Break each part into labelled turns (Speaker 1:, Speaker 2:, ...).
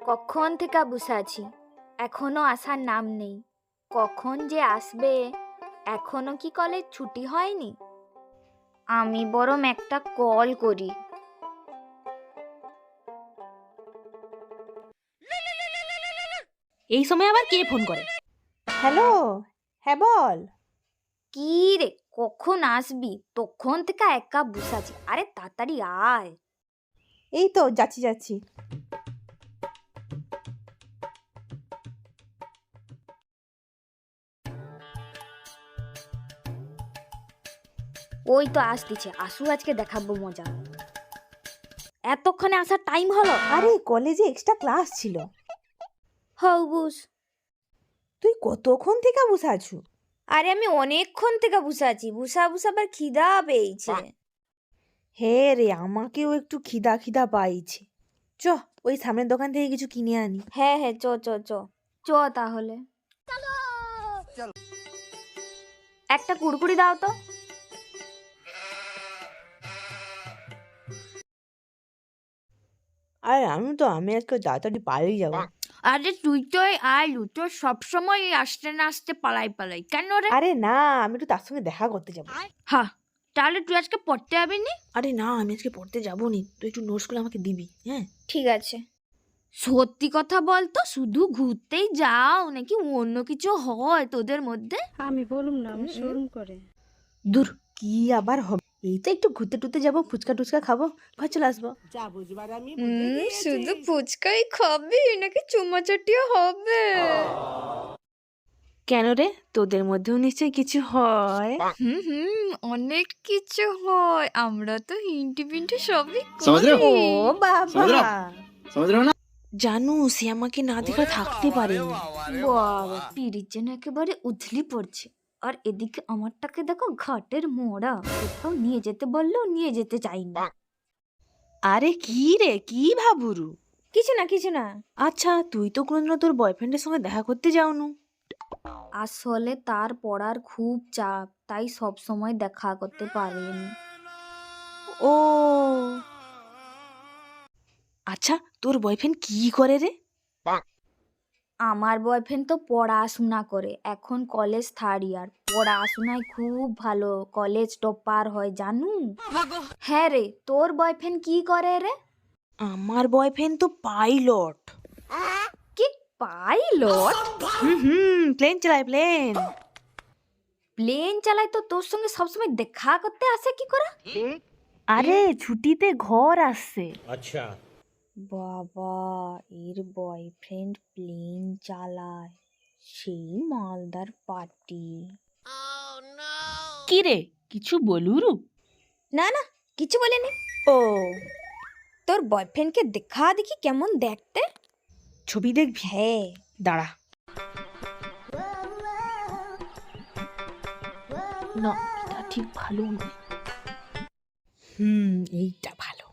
Speaker 1: কখন থেকে বসে আছি, এখনো আসার নাম নেই। কখন যে আসবে? এখনো কি কলেজ ছুটি হয়নি? আমি বরং একটা কল করি।
Speaker 2: এই সময় আবার কে ফোন করে?
Speaker 3: হ্যালো, হ্যাঁ বল।
Speaker 1: কি রে, কখন আসবি? তখন থেকে একা বসে আছি। আরে তাড়াতাড়ি আয়।
Speaker 3: এই তো যাচ্ছি।
Speaker 1: ওই তো আসতেছে, আসু, আজকে দেখাবো মজা। এতক্ষণে আসার টাইম হলো?
Speaker 3: আরে কলেজে এক্সট্রা ক্লাস ছিল।
Speaker 1: হও বুস।
Speaker 3: তুই কতক্ষণ থেকে বসে আছু?
Speaker 1: আরে আমি অনেকক্ষণ থেকে বসে আছি, বুসা আবার খিদা পেয়েছে।
Speaker 3: হে রে, আমাকেও একটু খিদা পাইছে। চ, ওই সামনের দোকান থেকে কিছু কিনে আনি।
Speaker 1: হ্যাঁ হ্যাঁ, চ চ চ চ তাহলে। একটা কুড়কুড়ি দাও তো।
Speaker 3: আরে আমি আজকে তাড়াতাড়ি পালিয়ে যাবো।
Speaker 1: আরে তুই তো আলু, তোর সবসময় আসতে না আসতে পালাই কেন রে?
Speaker 3: আরে না, আমি একটু তার সঙ্গে দেখা করতে যাবো।
Speaker 1: হ্যাঁ, তাহলে তুই আজকে পড়তে যাবি নি?
Speaker 3: আরে না, আমি আজকে পড়তে যাবো নি, তুই একটু নোটসগুলো আমাকে দিবি, হ্যাঁ?
Speaker 1: ঠিক আছে। সত্যি কথা বল তো, শুধু ঘুরতেই যাও নাকি অন্য কিছু হয় তোদের মধ্যে?
Speaker 4: আমি বলুম না, আমার শোরুম করে।
Speaker 3: দূর, কি আবার হবে? এই তো একটু ঘুরতে টুরতে যাবো, ফুচকা টুচকা খাবো, ঘর চলে আসবো।
Speaker 1: শুধু ফুচকাই খাবি নাকি চুমাচাটিও হবে?
Speaker 3: কেন রে, তোদের মধ্যেও নিশ্চয়ই কিছু হয়?
Speaker 1: অনেক কিছু হয়, আমরা তো হিন্টি পিন্টি সবই
Speaker 5: समझ रहे हो?
Speaker 1: করি।
Speaker 3: ও বাবা,
Speaker 5: समझ रहे हो ना?
Speaker 3: জানু সে আমাকে না দেখে থাকতে পারেনি।
Speaker 1: বাবা, পিরিচ যেন একেবারে উথলি পড়ছে। আর এদিকে আমারটাকে দেখো, ঘাটের মোড়া, কোথাও নিয়ে যেতে বললেও নিয়ে যেতে চাইনি।
Speaker 3: আরে কি রে, কি ভাবুরু?
Speaker 1: কিছু না।
Speaker 3: আচ্ছা, তুই তো কোনোদিনও তোর বয়ফ্রেন্ডের সঙ্গে দেখা করতে যাওনু।
Speaker 1: আসলে তার পড়ার খুব চাপ, তাই সব সময় দেখা করতে পারেনি।
Speaker 3: ও আচ্ছা, তোর বয়ফ্রেন্ড কি করে রে?
Speaker 1: আমার বয়ফ্রেন্ড তো পড়াশোনা করে, এখন কলেজ থার্ড ইয়ার। পড়াশোনায় খুব ভালো, কলেজ টপার হয় জানু। হ্যাঁ রে, তোর বয়ফ্রেন্ড কি করে রে?
Speaker 3: আমার বয়ফ্রেন্ড তো পাইলট।
Speaker 1: কি পাইলট?
Speaker 3: প্লেন চালায়, প্লেন।
Speaker 1: প্লেন চালায় তো তোর সঙ্গে সবসময় দেখা করতে আসে কি করে?
Speaker 3: আরে ছুটিতে ঘর আসছে।
Speaker 5: अच्छा
Speaker 1: বাবা, এর বয়ফ্রেন্ড প্লেন চালায়, সেই মালদার পার্টি।
Speaker 3: কি রে, কিছু বলুরু?
Speaker 1: না না, কিছু বলেনি।
Speaker 3: ও,
Speaker 1: তোর বয়ফ্রেন্ডকে দেখা দেখি কেমন দেখতে।
Speaker 3: ছবি দেখবি?
Speaker 1: হ্যাঁ।
Speaker 3: দাঁড়া। না, এটা ঠিক ভালো নয়। এইটা ভালো।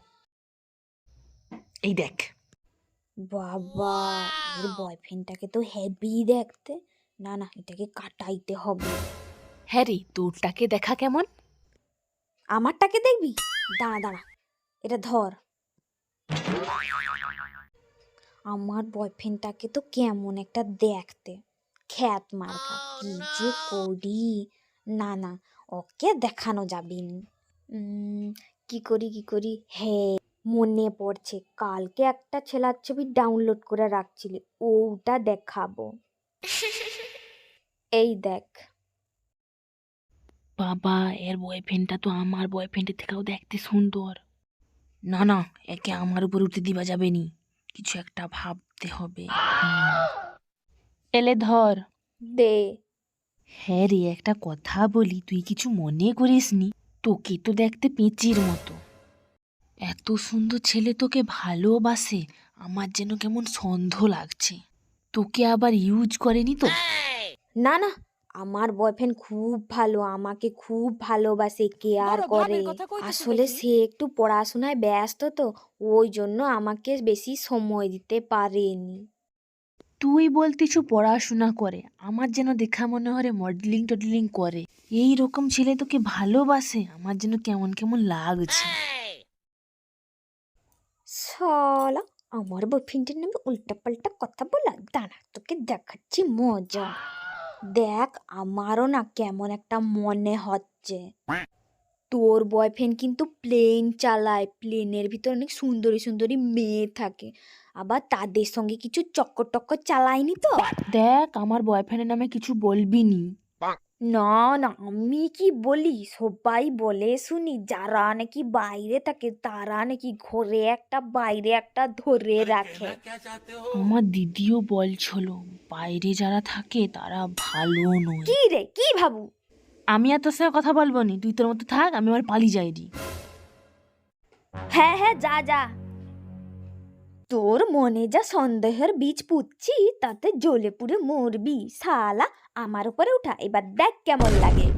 Speaker 3: এই দেখ।
Speaker 1: বাবা, এর বয়ফ্রেন্ডটাকে তো হেভি দেখতে। না না, এটাকে কাটাইতে হবে।
Speaker 3: হ্যাঁ রে, তোরটাকে দেখা কেমন?
Speaker 1: আমারটাকে দেখবি? দাঁড়া, এটা ধর। আমার বয়ফ্রেন্ডটাকে তো কেমন একটা দেখতে, খ্যাত মার্কা। কি যে করি? না না, ওকে দেখানো যাবে না। কি করি? হ্যাঁ, মনে পড়ছে, কালকে একটা ছেলার ছবি ডাউনলোড করে রাখছিলি, ওটা দেখাবো। এই দেখ।
Speaker 3: বাবা, এর বয়ফ্রেন্ডটা তো আমার বয়ফ্রেন্ডের থেকেও দেখতে সুন্দর। না না, একে আমার উপর উঠে দিবা যাবে নি, কিছু একটা ভাবতে হবে। এলে ধর।
Speaker 1: দে।
Speaker 3: হ্যাঁ রে, একটা কথা বলি, তুই কিছু মনে করিস নি? তোকে তো দেখতে পেঁচির মতো। এত সুন্দর ছেলে তোকে ভালোবাসে, আমার যেন কেমন সন্দেহ লাগছে। তোকে আবার ইউজ করেনি তো?
Speaker 1: না না, আমার বয়ফ্রেন্ড খুব ভালো, আমাকে খুব ভালোবাসে, কেয়ার করে। আসলে সে একটু পড়াশোনায় ব্যস্ত তো, ওই জন্য আমাকে বেশি সময় দিতে পারেনি।
Speaker 3: তুই বলতিছু পড়াশোনা করে, আমার যেন দেখা মনে হয় মডেলিং টডেলিং করে। এই রকম ছেলে তোকে ভালোবাসে, আমার যেন কেমন কেমন লাগছে।
Speaker 1: শালা, আমার বয়ফ্রেন্ডের নামে উল্টাপাল্টা কথা বলা, দাঁড়া তোকে দেখাচ্ছি মজা। দেখ আমারও না কেমন একটা মনে হচ্ছে। তোর বয়ফ্রেন্ড কিন্তু প্লেন চালায়, প্লেনের ভিতর অনেক সুন্দরী সুন্দরী মেয়ে থাকে, আবার তাদের সঙ্গে কিছু চক্কর টক্কর চালায়নি তো?
Speaker 3: দেখ আমার বয়ফ্রেন্ডের নামে কিছু বলবি নি।
Speaker 1: না না, আমি কি বলি, সবাই বলে শুনি যারা নাকি বাইরে থাকে তারা নাকি ঘরে একটা বাইরে একটা ধরে রাখে।
Speaker 3: আমার দিদিও বলছিল বাইরে যারা থাকে তারা ভালো নয়।
Speaker 1: কি রে, কি ভাবু?
Speaker 3: আমি আর তোর সঙ্গে কথা বলবো নি, তুই তোর মতো থাক, আমি আমার পালিয়ে যাই রে।
Speaker 1: হ্যাঁ হ্যাঁ, যা যা। তোর মনে যা সন্দেহের বীজ পুঁতছি তাতে জ্বলে পুড়ে মরবি শালা। আমার উপরে উঠা, এবার দেখ কেমন লাগে।